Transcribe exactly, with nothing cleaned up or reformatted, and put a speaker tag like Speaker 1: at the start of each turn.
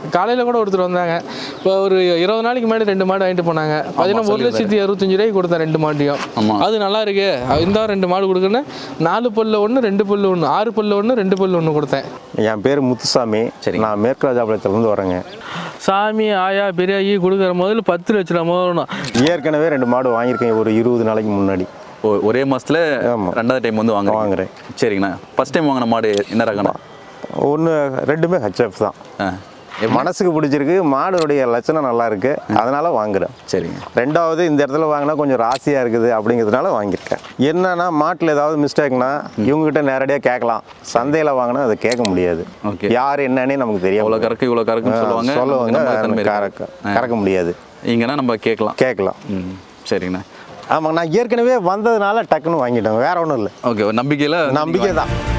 Speaker 1: காலையில் கூட ஒருத்தர் வந்தாங்க. இப்போ ஒரு இருபது நாளைக்கு முன்னாடி ரெண்டு மாடு வாங்கிட்டு போனாங்க. பார்த்தீங்கன்னா ஒரு லட்சத்தி அறுபத்தஞ்சு ரூபாய்க்கு கொடுத்தேன் ரெண்டு மாட்டையும். அது நல்லா இருக்கு, இந்த ரெண்டு மாடு கொடுக்குன்னு நாலு பல்லு ஒன்று ரெண்டு பல்லு ஒன்று ஆறு பல்லு ஒன்று ரெண்டு பல்லு ஒன்று கொடுத்தேன்.
Speaker 2: என் பேர் முத்துசாமி. சரி, நான் மேற்கு ராஜாபாளையத்துலேருந்து வரேங்க.
Speaker 1: சாமி ஆயா பெரியாயி கொடுக்குற முதல்ல பத்து லட்ச ரூபா முதலும்.
Speaker 2: ஏற்கனவே ரெண்டு மாடு வாங்கியிருக்கேன் ஒரு இருபது நாளைக்கு முன்னாடி.
Speaker 3: ஒரே மாதத்தில் ரெண்டாவது டைம் வந்து வாங்க
Speaker 2: வாங்குறேன்.
Speaker 3: சரிங்கண்ணா. ஃபஸ்ட் டைம் வாங்கின மாடு என்ன ரகண்ணா?
Speaker 2: ஒன்று ரெண்டுமே ஹெச்எஃப் தான். என் மனசுக்கு பிடிச்சிருக்கு, மாடுடைய லட்சணம் நல்லா இருக்கு, அதனால வாங்குறேன்.
Speaker 3: சரிங்க.
Speaker 2: ரெண்டாவது இந்த இடத்துல வாங்கினா கொஞ்சம் ராசியாக இருக்குது அப்படிங்கிறதுனால வாங்கியிருக்கேன். என்னன்னா மாட்டில் ஏதாவது மிஸ்டேக்னா இவங்ககிட்ட நேரடியாக கேட்கலாம். சந்தையில் வாங்கினா அதை கேட்க முடியாது.
Speaker 3: ஓகே,
Speaker 2: யார் என்னன்னே நமக்கு தெரியும்.
Speaker 3: இவ்வளோ கறக்கு இவ்வளோ கறக்குன்னு சொல்லுவாங்க
Speaker 2: சொல்லுவாங்க கறக்க கறக்க முடியாது.
Speaker 3: இங்கன்னா நம்ம கேட்கலாம்
Speaker 2: கேட்கலாம்.
Speaker 3: ம், சரிங்கண்ணா.
Speaker 2: ஆமாங்க, நான் ஏற்கனவே வந்ததுனால டக்குன்னு வாங்கிட்டேன், வேற ஒன்றும் இல்லை.
Speaker 3: ஓகே, நம்பிக்கையில்
Speaker 2: நம்பிக்கை தான்.